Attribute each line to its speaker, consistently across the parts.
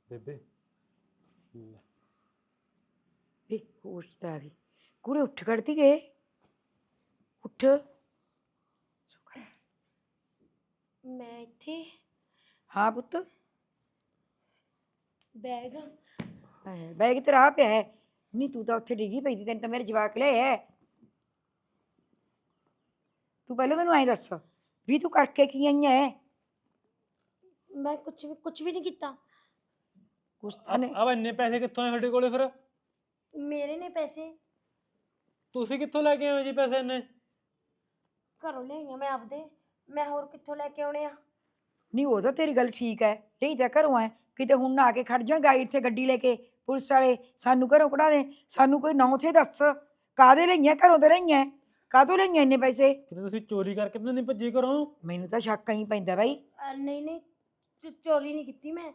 Speaker 1: ਬੇਬੇ
Speaker 2: ਵੇ ਹੋਸ਼ ਤਾਂ ਆ ਗਈ ਕੁੜੇ ਉੱਠ ਖੜਦੀ ਗਏ ਉੱਠ
Speaker 3: ਮੈਂ ਇੱਥੇ
Speaker 2: ਹਾਂ ਪੁੱਤ
Speaker 3: ਬੈਗ
Speaker 2: ਬੈਗ ਤੇਰਾ ਆ ਪਿਆ ਹੈ ਨਹੀਂ ਤੂੰ ਤਾਂ ਉੱਥੇ ਡਿੱਗੀ ਪਈ ਸੀ ਤੈਨੂੰ ਤਾਂ ਮੇਰੇ ਜਵਾਕ ਲਿਆ ਤੂੰ ਪਹਿਲਾਂ ਮੈਨੂੰ ਐਂ ਦੱਸ ਵੀ ਤੂੰ ਕਰਕੇ ਕੀ ਆਈ ਐ
Speaker 3: ਮੈਂ ਕੁਝ ਵੀ ਨਹੀਂ ਕੀਤਾ।
Speaker 2: ਕੁਛ ਤਾਂ ਨਹੀਂ
Speaker 1: ਆ ਇੰਨੇ ਪੈਸੇ ਕਿੱਥੋਂ ਆਏ ਤੁਹਾਡੇ ਕੋਲੇ ਫਿਰ?
Speaker 3: ਮੇਰੇ ਨੇ ਪੈਸੇ
Speaker 1: ਤੁਸੀਂ ਕਿੱਥੋਂ ਲੈ ਕੇ ਆਏ ਹੋ ਜੀ ਪੈਸੇ ਇੰਨੇ?
Speaker 3: ਘਰੋਂ ਲਿਆਈਆਂ ਮੈਂ ਆਪਦੇ। ਮੈਂ ਹੋਰ ਕਿੱਥੋਂ ਲੈ ਕੇ ਆਉਣੇ ਆ?
Speaker 2: ਨਹੀਂ ਉਹ ਤਾਂ ਤੇਰੀ ਗੱਲ ਠੀਕ ਹੈ ਰਹੀ ਤਾਂ ਘਰੋਂ ਐ ਕਿਤੇ ਹੁਣ ਨਾ ਆ ਕੇ ਖੜ ਜਾਣ ਗਾਈਡ ਤੇ ਗੱਡੀ ਲੈ ਕੇ ਪੁਲਿਸ ਵਾਲੇ ਸਾਨੂੰ ਘਰੋਂ ਕਢਾ ਦੇ ਸਾਨੂੰ ਕੋਈ ਨਾਂ ਉੱਥੇ ਦੱਸ ਕਾਹਦੇ ਲਈਆਂ ਘਰੋਂ ਤੇ ਲਈਆਂ ਕਾਹਤੋਂ ਲਈਆਂ ਇੰਨੇ ਪੈਸੇ
Speaker 1: ਕਿਤੇ ਤੁਸੀਂ ਚੋਰੀ ਕਰਕੇ ਤਾਂ ਨਹੀਂ ਭੱਜੀ ਘਰੋਂ?
Speaker 2: ਮੈਨੂੰ ਤਾਂ ਸ਼ੱਕ ਹੀ ਪੈਂਦਾ ਬਾਈ
Speaker 3: ਨਹੀਂ ਨਹੀਂ ਚੋਰੀ ਨਹੀਂ ਕੀਤੀ ਮੈਂ।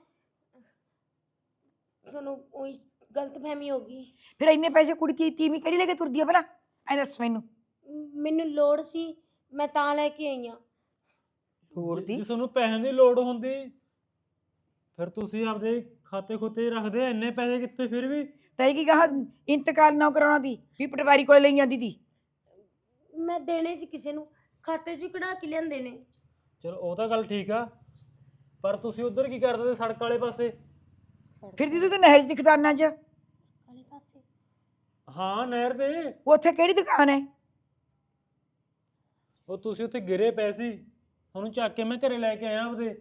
Speaker 3: ਤੁਹਾਨੂੰ ਉਹੀ ਗਲਤਫਹਿਮੀ ਹੋ ਗਈ।
Speaker 2: ਫਿਰ ਇੰਨੇ ਪੈਸੇ ਕੁੜੀ ਕੀ ਤੀਵੀਂ ਕਿਹੜੀ ਲੈ ਕੇ ਤੁਰਦੀ ਆ ਭਲਾ ਐ ਦੱਸ ਮੈਨੂੰ
Speaker 3: ਮੈਨੂੰ ਲੋੜ ਸੀ ਮੈਂ ਤਾਂ ਲੈ ਕੇ ਆਈ ਆ।
Speaker 2: ਲੋੜ ਦੀ
Speaker 1: ਜੇ ਤੁਹਾਨੂੰ ਪੈਸਿਆਂ ਦੀ ਲੋੜ ਹੁੰਦੀ ਫਿਰ ਤੁਸੀਂ ਆਪਦੇ ਖਾਤੇ ਖੁੱਤੇ ਰੱਖਦੇ ਇੰਨੇ ਪੈਸੇ ਕਿੱਥੇ ਫਿਰ ਵੀ?
Speaker 2: ਤੈ ਕੀ ਕਹਾ ਇੰਤਕਾਲ ਨਾ ਕਰਾਉਣਾ ਦੀ ਵੀ ਪਟਵਾਰੀ ਕੋਲ ਲਈ ਜਾਂਦੀ ਦੀ
Speaker 3: ਮੈਂ ਦੇਣੇ ਸੀ ਕਿਸੇ ਨੂੰ ਖਾਤੇ 'ਚ ਕਢਾ ਕੇ ਲਿਆਂਦੇ ਨੇ।
Speaker 1: ਚਲੋ ਉਹ ਤਾਂ ਗੱਲ ਠੀਕ ਆ ਪਰ ਤੁਸੀਂ ਉਧਰ ਕੀ ਕਰਦੇ ਤੇ ਸੜਕ ਵਾਲੇ ਪਾਸੇ?
Speaker 2: ਫਿਰ ਦੀ ਤੂੰ ਨਹਿਰ ਦੀ ਦੁਕਾਨਾਂ 'ਚ
Speaker 3: ਵਾਲੇ ਪਾਸੇ
Speaker 1: ਹਾਂ ਨਹਿਰ ਤੇ।
Speaker 2: ਉੱਥੇ ਕਿਹੜੀ ਦੁਕਾਨ ਹੈ
Speaker 1: ਉਹ ਤੁਸੀਂ ਉੱਥੇ ਗਿਰੇ ਪਏ ਸੀ ਉਹਨੂੰ ਚੱਕ ਕੇ ਮੈਂ ਘਰੇ ਲੈ ਕੇ ਆਇਆ ਆਪਦੇ।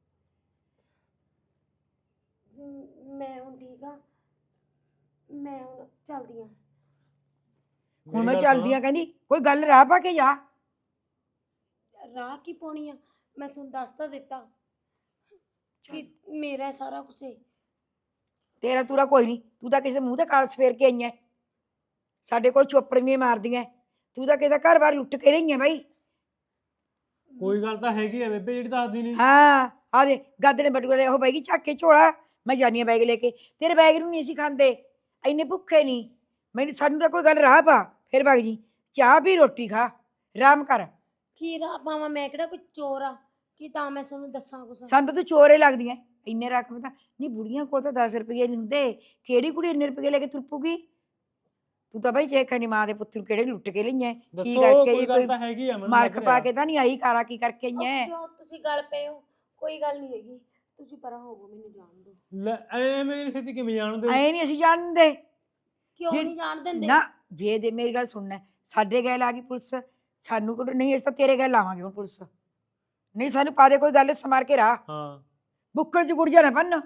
Speaker 3: ਮੈਂ ਹੁਣ ਠੀਕ ਆ। ਮੈਂ ਹੁਣ ਚੱਲਦੀ ਆ।
Speaker 2: ਹੁਣ ਮੈਂ
Speaker 1: ਮੇਰੀ ਗੱਲ
Speaker 2: ਚੱਲਦੀ ਆ ਕਹਿੰਦੀ ਕੋਈ ਗੱਲ ਰਾਹ ਪਾ ਕੇ ਜਾ
Speaker 3: ਰਾਹ ਕੀ ਪਾਉਣੀ ਆ? ਮੈਂ ਤੁਹਾਨੂੰ ਦੱਸ ਤਾਂ ਦਿੱਤਾ ਕਿ ਮੇਰਾ ਸਾਰਾ ਕੁਝ ਹੈ।
Speaker 2: ਤੇਰਾ ਤੂਰਾ ਕੋਈ ਨਹੀਂ ਤੂੰ ਤਾਂ ਕਿਸੇ ਦੇ ਮੂੰਹ ਤੇ ਕਾਲਸ ਫੇਰ ਕੇ ਆਈ ਐ ਸਾਡੇ ਕੋਲ ਚੋਪੜੀਆਂ ਮਾਰਦੀਆਂ ਤੂੰ ਤਾਂ ਕਿਸੇ ਦਾ ਘਰ-ਬਾਰ ਲੁੱਟ ਕੇ ਰਹੀ ਐ ਬਾਈ।
Speaker 1: ਕੋਈ ਗੱਲ ਤਾਂ ਹੈਗੀ ਆ ਬੇਬੇ ਜਿਹੜੀ ਦੱਸਦੀ ਨਹੀਂ।
Speaker 2: ਹਾਂ ਆ ਦੇ ਗੱਦ ਨੇ ਬਟੂਏ ਉਹ ਬੈਗੀ ਚੱਕ ਕੇ ਝੋਲਾ ਮੈਂ ਜਾਨੀ ਆ ਬੈਗ ਲੈ ਕੇ ਤੇਰੇ ਬੈਗ ਨੂੰ ਨਹੀਂ ਅਸੀਂ ਖਾਂਦੇ ਇੰਨੇ ਭੁੱਖੇ ਨਹੀਂ ਮੈਨੂੰ ਸਾਨੂੰ ਤਾਂ ਕੋਈ ਗੱਲ ਰਾਹ ਪਾ ਫਿਰ ਵਗ ਜੀ ਚਾਹ ਵੀ ਰੋਟੀ ਖਾ ਆਰਾਮ ਕਰ
Speaker 3: ਕੀ ਰਾਹ ਪਾਵਾਂ? ਮੈਂ ਕਿਹੜਾ ਕੋਈ ਚੋਰ ਆ ਕਿ ਤਾਂ ਮੈਂ ਤੁਹਾਨੂੰ ਦੱਸਾਂ ਕੁਛ?
Speaker 2: ਸਾਨੂੰ ਤਾਂ ਤੂੰ ਚੋਰੇ ਲੱਗਦੀਆਂ ਇੰਨੇ ਰਕਮ ਤਾਂ ਨਹੀਂ ਬੁੜੀਆਂ ਕੋਲ ਤਾਂ 10 ਰੁਪਏ ਨਹੀਂ ਹੁੰਦੇ ਕਿਹੜੀ ਕੁੜੀ ਇੰਨੇ ਰੁਪਏ ਲੈ ਕੇ ਤੁਰਪੂਗੀ ਤੂੰ ਤਾਂ ਬਾਈ ਚੇਖਾ ਨਹੀਂ ਮਾਂ ਦੇ ਪੁੱਤ ਨੂੰ ਕਿਹੜੇ ਲੁੱਟ ਕੇ ਲਈਆਂ ਕੀ
Speaker 1: ਦੱਸੋ
Speaker 2: ਕਰਕੇ
Speaker 1: ਕੋਈ
Speaker 2: ਇਹ
Speaker 1: ਗੱਲ
Speaker 2: ਕੋਈ
Speaker 1: ਤਾਂ ਹੈਗੀ ਆ ਮੈਨੂੰ
Speaker 2: ਮਾਰਕ
Speaker 1: ਲੱਗ
Speaker 2: ਪਾ
Speaker 1: ਰਿਹਾ।
Speaker 2: ਕੇ ਤਾਂ ਨਹੀਂ ਆਈ ਕਾਰਾ ਕੀ ਕਰਕੇ
Speaker 3: ਉਹ
Speaker 2: ਆਈਆਂ
Speaker 3: ਕਿਉਂ ਤੁਸੀਂ ਗੱਲ ਪਏ ਹੋ? ਕੋਈ ਗੱਲ ਨਹੀਂ ਹੈਗੀ। ਤੁਸੀਂ ਪਰਾਂ ਹੋਵੋ, ਮੈਨੂੰ ਜਾਣ ਦਿਓ।
Speaker 1: ਲੈ ਐਵੇਂ ਮੇਰੀ ਸਥਿਤੀ ਕਿਵੇਂ ਜਾਣਦੇ?
Speaker 2: ਐ ਨਹੀਂ ਅਸੀਂ ਜਾਣਦੇ
Speaker 3: ਕਿਉਂ
Speaker 2: ਜੇ-
Speaker 3: ਨਹੀਂ ਜਾਣ ਦਿੰਦੇ?
Speaker 2: ਨਾ ਜੇ ਦੇ ਮੇਰੀ ਗੱਲ ਸੁਣਨਾ ਸਾਡੇ ਗੈਲ ਆ ਗਈ ਪੁਲਿਸ ਸਾਨੂੰ ਕੋਈ ਨਹੀਂ ਅਸੀਂ ਤਾਂ ਤੇਰੇ ਗੈਲ ਲਾਵਾਂਗੇ ਹੁਣ ਪੁਲਿਸ ਨਹੀਂ ਸਾਨੂੰ ਪਾ ਦੇ ਕੋਈ ਗੱਲ ਸਮਾਰ ਕੇ ਰਾਹ
Speaker 1: ਹਾਂ
Speaker 2: ਬੁੱਕਲ ਚ ਗੁੜ ਜਾਣਾ ਪੰਨ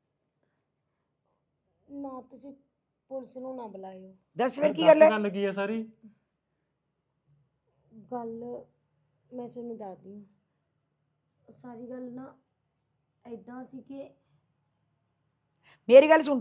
Speaker 3: ਨਾ ਤੁਸੀਂ ਪੁਲਿਸ ਨੂੰ ਨਾ ਬੁਲਾਇਓ।
Speaker 2: ਦੱਸ ਫਿਰ ਕੀ
Speaker 1: ਦੱਸ
Speaker 2: ਗੱਲ ਹੈ
Speaker 1: ਗੱਲ ਕੀ ਆ ਸਾਰੀ?
Speaker 3: ਗੱਲ ਮੈਂ ਤੁਹਾਨੂੰ ਦੱਸਦੀ ਹਾਂ। ਸਾਰੀ ਗੱਲ ਨਾ ਐਦਾਂ ਸੀ ਕਿ
Speaker 2: ਮੇਰੀ ਗੱਲ ਸੁਣ